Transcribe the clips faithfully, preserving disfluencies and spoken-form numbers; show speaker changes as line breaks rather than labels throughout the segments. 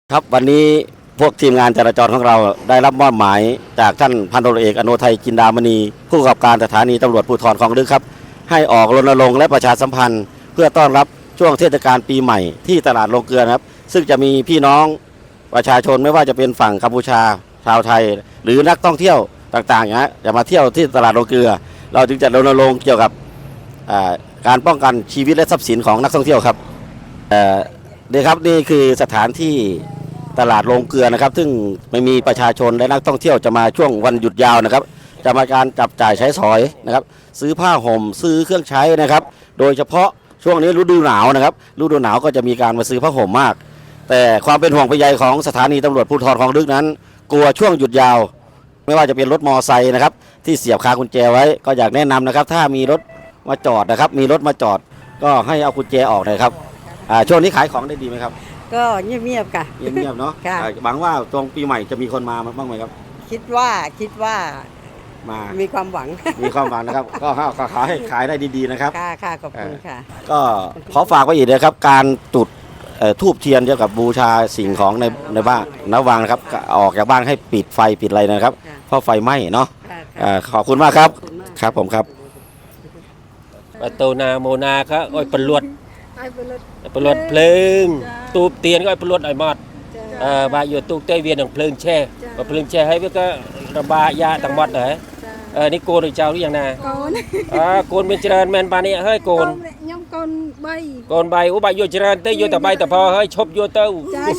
ครับวันนี้พวกทีมงานจราจรของเราได้รับมอบหมายจากท่านพันตำรวจเอกอโนไทยจินดามณีผู้กำกับการสถานีตำรวจภูธรคลองลึกครับให้ออกรณรงค์และประชาสัมพันธ์เพื่อต้อนรับช่วงเทศกาลปีใหม่ที่ตลาดโรงเกลือครับซึ่งจะมีพี่น้องประชาชนไม่ว่าจะเป็นฝั่งกัมพูชาชาวไทยหรือนักท่องเที่ยวต่างๆนะจะมาเที่ยวที่ตลาดโรงเกลือเราจึงจะรณรงค์เกี่ยวกับการป้องกันชีวิตและทรัพย์สินของนักท่องเที่ยวครับนี่ครับนี่คือสถานที่ตลาดโรงเกลือนะครับซึ่งไม่มีประชาชนและนักท่องเที่ยวจะมาช่วงวันหยุดยาวนะครับจะมาการจับจ่ายใช้สอยนะครับซื้อผ้าห่มซื้อเครื่องใช้นะครับโดยเฉพาะช่วงนี้ฤดูหนาวนะครับฤดูหนาวก็จะมีการมาซื้อผ้าห่มมากแต่ความเป็นห่วงเป็นใยของสถานีตำรวจภูธรคลองลึกนั้นกลัวช่วงหยุดยาวไม่ว่าจะเป็นรถมอไซค์นะครับที่เสียบคากุญแจไว้ก็อยากแนะนำนะครับถ้ามีรถมาจอดนะครับมีรถมาจอดก็ให้เอากุญแจออกนะครับช่วงนี้ขายของได้ดีไหมครับ
ก็เงียบๆค่ะ
เงียบๆเนาะหวังว่าตรงปีใหม่จะมีคนมาบ้างไหมครับ
คิดว่าคิดว่า
มา
มีความหวัง
มีความหวังนะครับก็ขอให้ขายได้ดีๆนะครับ
ค่ะค่ะขอบคุณค่ะ
ก็ขอฝากไว้อีกนะครับการจุดทูบเทียนเกี่ยวกับบูชาสิ่งของในในบ้านระวังนะครับออกจากบ้านให้ปิดไฟปิดอะไรนะครับเพราะไฟไหม้เนาะขอบคุณมากครับครับผมครับ
ประตูนาโมนาครับอ้อยปลวดปลวดเพลิงตูบเตียนก็อ้อยปลวดอ้อยมอดบาอยู่ตูบเตยเวียนของเพลิงแช่เพลิงแช่ให้เพื่อก็ระบายยาต่างหมดเลยนี่โกนหรือเจ้าหรือยังนะโกนโกนเป็นเจริญแมนปานี่เฮ้ยโกน
ย่อมโกนใบ
โกนใบอุบายโยเจริญเตยโยแต่ใบแต่พอเฮ้ยชบโยเต้า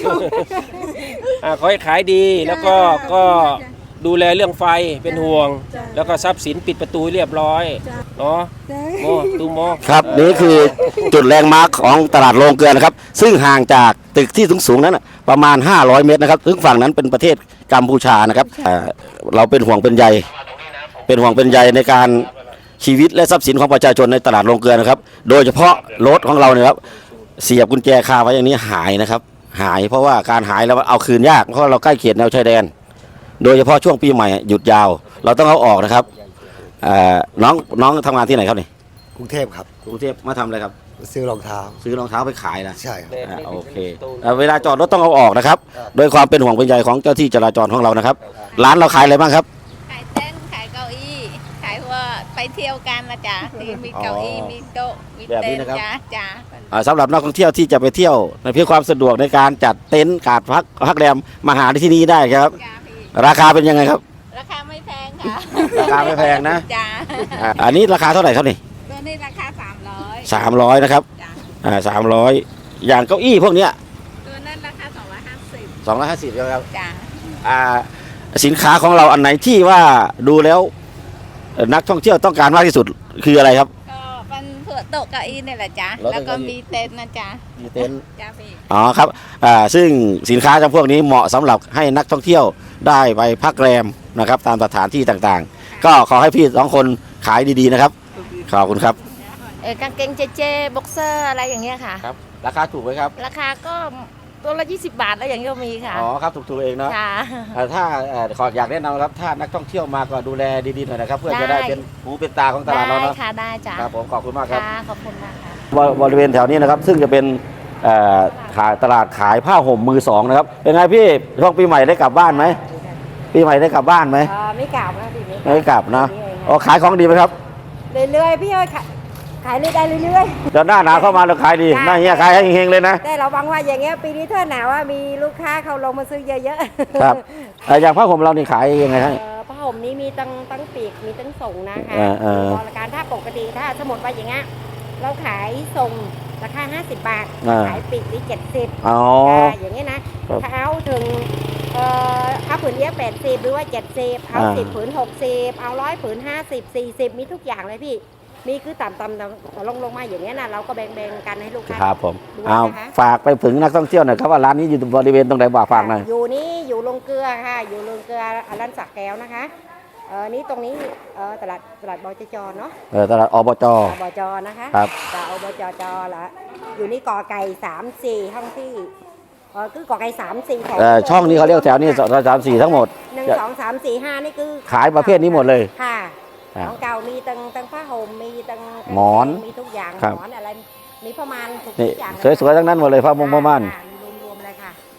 ขอให้ขายดีแล้วก็ก็ดูแลเรื่องไฟเป็นห่วงแล้วก็ทรัพย์สินปิดประตูเรียบร้อยเนาะโมตูโม
ครับนี่คือจุดแลนด์มาร์คของตลาดโรงเกลือนะครับซึ่งห่างจากตึกที่สูงๆนั้นประมาณห้าร้อยเมตรนะครับซึ่งฝั่งนั้นเป็นประเทศกัมพูชานะครับเราเป็นห่วงเป็นใยเป็นห่วงเป็นใยในการชีวิตและทรัพย์สินของประชาชนในตลาดโรงเกลือนะครับโดยเฉพาะรถของเราเนี่ยครับเสียบกุญแจคาไว้อย่างนี้หายนะครับหายเพราะว่าการหายแล้วเอาคืนยากเพราะเราใกล้เขตแนวชายแดนโดยเฉพาะช่วงปีใหม่หยุดยาวเราต้องเอาออกนะครับน้องน้องทำงานที่ไหนครับนี่
กรุงเทพครับ
กรุงเทพมาทำอะไรครับ
ซื้อรองเท้า
ซื้อรองเท้าไปขายนะ
ใช่ครับ
โอเคเวลาจอดรถต้องเอาออกนะครับโดยความเป็นห่วงเป็นใยของเจ้าที่จราจรของเรานะครับร้านเราขายอะไรบ้างครับ
ขายเต้นขายเก้าอี้ขายว่าไปเที่ยวกันนะจ๊ะมีเก้าอี้มีโต๊ะมีเต็นท์จ้าจ้า
สำหรับนักท่องเที่ยวที่จะไปเที่ยวเพื่อความสะดวกในการจัดเต็นท์การพักพักแรมมาหาที่นี่ได้ครับราคาเป็นยังไงครับ
ราคาไม่แพงค่ะ
ราคาไม่แพงนะ
จ้า
อันนี้ราคาเท่าไหร่ครับนี่
ตัวนี้ราคาสามร้อย
สามร้อยนะครับอ่าสามร้อยอย่างเก้าอี้พวกเนี้ย
ตัวนั้นราคาสองร้อยห้าสิบ
สองร้อยห้าสิบครับ
จ้า
อ่าสินค้าของเราอันไหนที่ว่าดูแล้วนักท่องเที่ยวต้องการมากที่สุดคืออะไรครับ
ก็เป็นเผื่อโต๊ะเก้าอี้นี่แหละจ้าแล้วก็มีเต็นท์นะจ้า
มีเต็นท์
จ้าพี่
อ๋อครับอ่าซึ่งสินค้าจำพวกนี้เหมาะสำหรับให้นักท่องเที่ยวได้ไปพักแรมนะครับตามสถานที่ต่างๆก็ขอให้พี่สองคนขายดีๆนะครับขอบคุณครับ
เออกางเกงเจเจบ็อกเซอร์อะไรอย่างเงี้ยค่ะ
ครับราคาถูกไหมครับ
ราคาก็ตัวละยี่สิบบาทแล้วอย่างนี้ก็มีค่ะ
อ๋อครับถูกๆเองเนาะถ้าขออยากแนะนำครับถ้านักท่องเที่ยวมาก็ดูแลดีๆหน่อยนะครับเพื่อจะได้เป็นหูเป็นตาของตลาดเราเนาะ
ค่ะได้จ้ะ
ครับผมขอบคุณมากครับ
ขอบคุณมากค่ะ
บริเวณแถวนี้นะครับซึ่งจะเป็นขายตลาดขายผ้าห่มมือสองนะครับเป็นไงพี่ช่วงปีใหม่ได้กลับบ้านไหมปีใหม่ได้กลับบ้านไหม
ไม่กลับนะปีนี้
ไม่กลับนะอ๋อขายของดีไหมครับ
เรื่อยๆพี่เอ้ยขายได้เรื่อย
ๆเดี๋ยวหน้าหนาวเข้ามาเราขายดีหน้าเฮียขายให้เฮงๆเลยนะ
แต่เราหวังว่าอย่างเงี้ยปีนี้ถ้าหนาวว่ามีลูกค้าเขาลงมาซื้อเยอะ
ๆครับอย่างผ้าห่มเรานี่ขายยังไงฮะ
ผ้าห่มนี้มีตั้งตั้งปีกมีตั้งส่งนะคะบริการถ้าปกติถ้าสมมติว่าอย่างเงี้ยเราขายส่งราคาห้าสิบบาทขายปีกนี่เจ็ดสิบ
อ๋อ
อย่างเงี้ยนะถ้าเอาถึงเอ่อเอาผืนเยอะแปดสิบหรือว่าเจ็ดสิบเอาสิบผืนหกสิบเอาร้อยผืนห้าสิบสี่สิบมีทุกอย่างเลยพี่มีคือต่ำๆลงลงมาอย่างเงี้ยนะเราก็แบ่งๆกันให้ลูกค้า
ครับผมเอาฝากไปถึงนักท่องเที่ยวหน่อยครับว่าร้านนี้อยู่บริเวณตรงไหนบอกฝากหน่อย
อยู่นี่อยู่ลงเกลือค่ะอยู่ลงเกลือร้านสักแก้วนะคะเออนี่ตรงนี้เออตลาดตลาดบจจเนาะ
เออตลาดอบจ
อบจนะคะ
ครับ
ตลาดอบจจละอยู่นี่กอไก่สามสี่ห้องที่เออคือกอไก่สามสี่แถว
ช่องนี้เขาเรียกแถวนี้สามสี่ทั้งหมด
หนึ่งสองสามสี่ห้านี่คือ
ขายประเภทนี้หมดเลย
ค่ะของเก่ามีตังตังผ้าห่มมีตัง
หมอน
มีทุกอย่างหมอนอะไรมีประมาณทุกอย่าง
สวยๆทั้งนั้นหมดเลยผ้ามุงผ้าม่าน
รวมๆเลยค่ะ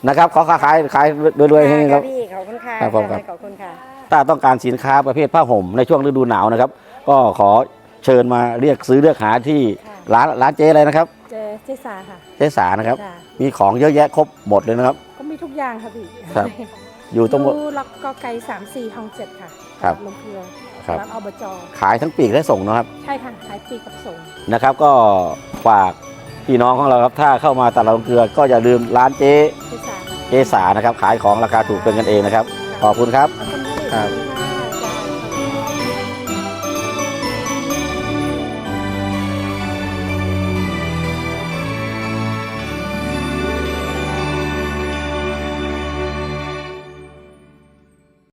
นะครับขอค้าขายขายรวยๆให้ครับ
พี่ขอบคุณค่ะ
ครับผมครับ
ขอบคุณค่ะ
ถ้าต้องการสินค้าประเภทผ้าห่มในช่วงฤดูหนาวนะครับ ก็ขอเชิญมาเรียกซื้อเลือกหาที่
ค่ะ
ร้านร้านเจ๊อะไรนะครับ
เจเจสาค่ะ
เจ๊สานะครับ
จ้ะ
มีของเยอะแยะครบหมดเลยนะครับ
ก็มีทุกอย่างค่ะพี่
ครับ อยู่ตรง
ดูล็อกกอไก่สามสี่ห้องเจ็ดค่ะ
ครับ
ลงเกลือ
ครับ
ร้านอบจ
ขายทั้งปีกและส่งนะครับ
ใช่ค่ะขายปีกกับส่ง
นะครับก็ฝากพี่น้องของเราครับถ้าเข้ามาตลาดลงเกลือก็อย่าลืมร้านเจ๊
เจสาค่ะ
เจ๊สานะครับขายของราคาถูกเป็นกันเองนะครับ ขอบคุณครับ
ขอบคุณค่ะพี่
ครับ
ขอบคุณค่ะ